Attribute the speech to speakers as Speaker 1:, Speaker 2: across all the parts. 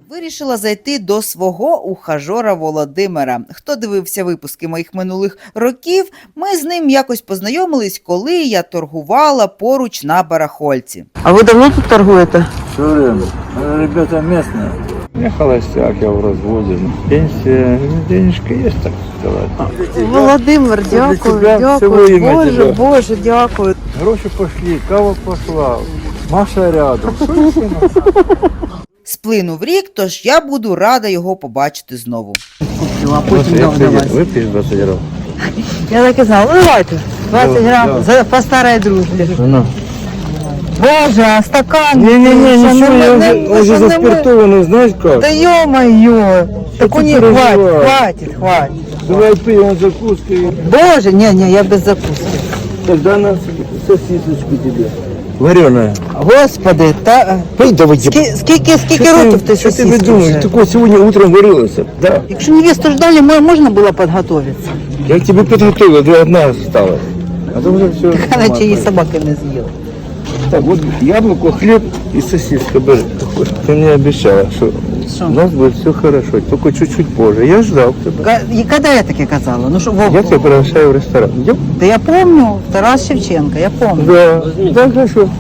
Speaker 1: Вирішила зайти до свого ухажора Володимира. Хто дивився випуски моїх минулих років, ми з ним якось познайомились, коли я торгувала поруч на барахольці.
Speaker 2: А ви давно тут торгуєте?
Speaker 3: Все время. Ребята местные. Я холостяк, я в разводе. Пенсия, денежка есть, так сказать.
Speaker 2: Володимир, дякую,
Speaker 3: тебя всего
Speaker 2: дякую.
Speaker 3: ім'я
Speaker 2: Боже,
Speaker 3: тебе.
Speaker 2: Боже, дякую.
Speaker 3: Гроши пошли, кава пошла. Маша рядом. Что еще надо?
Speaker 1: Сплинув рік, тож я буду рада його побачити знову.
Speaker 2: А потім давай.
Speaker 3: Выпьешь 20 грамм?
Speaker 2: Я так і знала. Ну, давайте. 20 грам по старій дружбі.
Speaker 3: Ну.
Speaker 2: Боже, а стакан?
Speaker 3: Не-не-не,
Speaker 2: Що
Speaker 3: ничего,
Speaker 2: не
Speaker 3: я
Speaker 2: мене-
Speaker 3: уже
Speaker 2: що не
Speaker 3: заспиртованный, знаешь как?
Speaker 2: Да ё-моё. Так у
Speaker 3: ты
Speaker 2: них
Speaker 3: переживаешь?
Speaker 2: хватит.
Speaker 3: Давай пьем закуской.
Speaker 2: Боже, не, я без закуски.
Speaker 3: Тогда на сосисочку тебе. Вареная.
Speaker 2: Господи, та...
Speaker 3: Пей, давай.
Speaker 2: Скільки років ти
Speaker 3: Что ты
Speaker 2: сосиски
Speaker 3: думаешь?
Speaker 2: вже?
Speaker 3: Такое сегодня утром варилось. Да.
Speaker 2: Якщо невесту ждали, можна було підготуватися.
Speaker 3: Я к тебе подготовил, ты одна осталась. А то уже все.
Speaker 2: Наче її собаки не з'їли.
Speaker 3: Так, вот яблоко, хлеб и сосиска. Бери. Ты мне обещала, что у нас будет все хорошо, только чуть-чуть позже. Я ждал тебя.
Speaker 2: І коли я таке казала? Ну що,
Speaker 3: Я тебя приглашаю в ресторан. Идем?
Speaker 2: Да я помню, Тарас Шевченко, я помню.
Speaker 3: Да. Да, хорошо.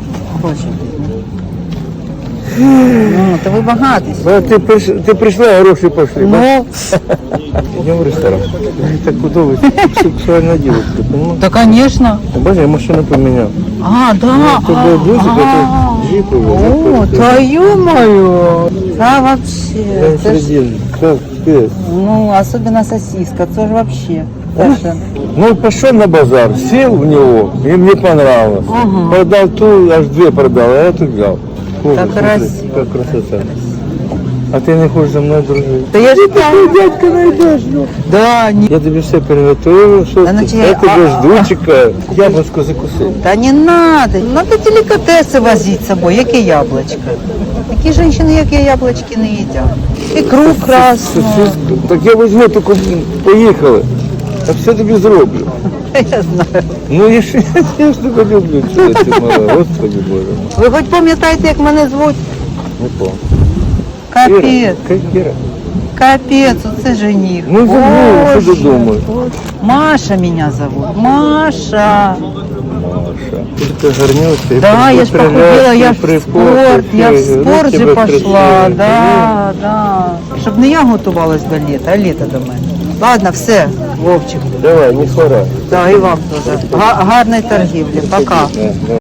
Speaker 2: Ну, то ви багатий.
Speaker 3: А ты пришла, а гроши пошли.
Speaker 2: Ну,
Speaker 3: Идем в ресторан. Так удобно, сексуальная девушка, понимаешь?
Speaker 2: да, конечно.
Speaker 3: Боже, я машину поменял.
Speaker 2: А, да.
Speaker 3: Тобой бусик, это джип.
Speaker 2: О, твою мою. Да, вообще. Це ж,
Speaker 3: Как ты?
Speaker 2: ну, особенно сосиска, це ж вообще. Це ж,
Speaker 3: Ну, пошел на базар, сел в него, и мне понравилось.
Speaker 2: Ага.
Speaker 3: Продал ту, аж две продал, а я тут взял. Ой,
Speaker 2: Как
Speaker 3: смотри,
Speaker 2: красиво.
Speaker 3: Как красота. А ты не хочешь за мной дружить?
Speaker 2: Да я ж знаю.
Speaker 3: Дядька найдешь, ну.
Speaker 2: Да, не.
Speaker 3: Я тебе все приготовил, что
Speaker 2: Да ну
Speaker 3: ты.
Speaker 2: тебе,
Speaker 3: Я тебя
Speaker 2: а-
Speaker 3: жду, чекаю. Яблочко закусил.
Speaker 2: Да не надо. Надо деликатеси возить з собою. Яке яблочко? Такі жінки, як я, яблочки не їдять. Ікру красну.
Speaker 3: Сосиску. Так я возьму, только поехали. А все тебе зроблю.
Speaker 2: Я знаю.
Speaker 3: Ну, я ж тебе люблю, чудо ти мала. Господи Боже.
Speaker 2: Ви хоч пам'ятаєте, як мене звуть?
Speaker 3: Не помню.
Speaker 2: Капець.
Speaker 3: Как Кира?
Speaker 2: Капець, оце жених.
Speaker 3: Ну, забыл, что ты
Speaker 2: Боже.
Speaker 3: думаешь?
Speaker 2: Маша меня зовут. Маша.
Speaker 3: Маша. Ты горнешься.
Speaker 2: Да, я ж похудела, я в спорт же пошла. Да, да. Щоб не я готувалась до літа, а літо до мене. Ладно, все, Вовчик.
Speaker 3: Давай, не хвора.
Speaker 2: Да, і вам теж. Гарної торгівлі. Пока.
Speaker 3: Да.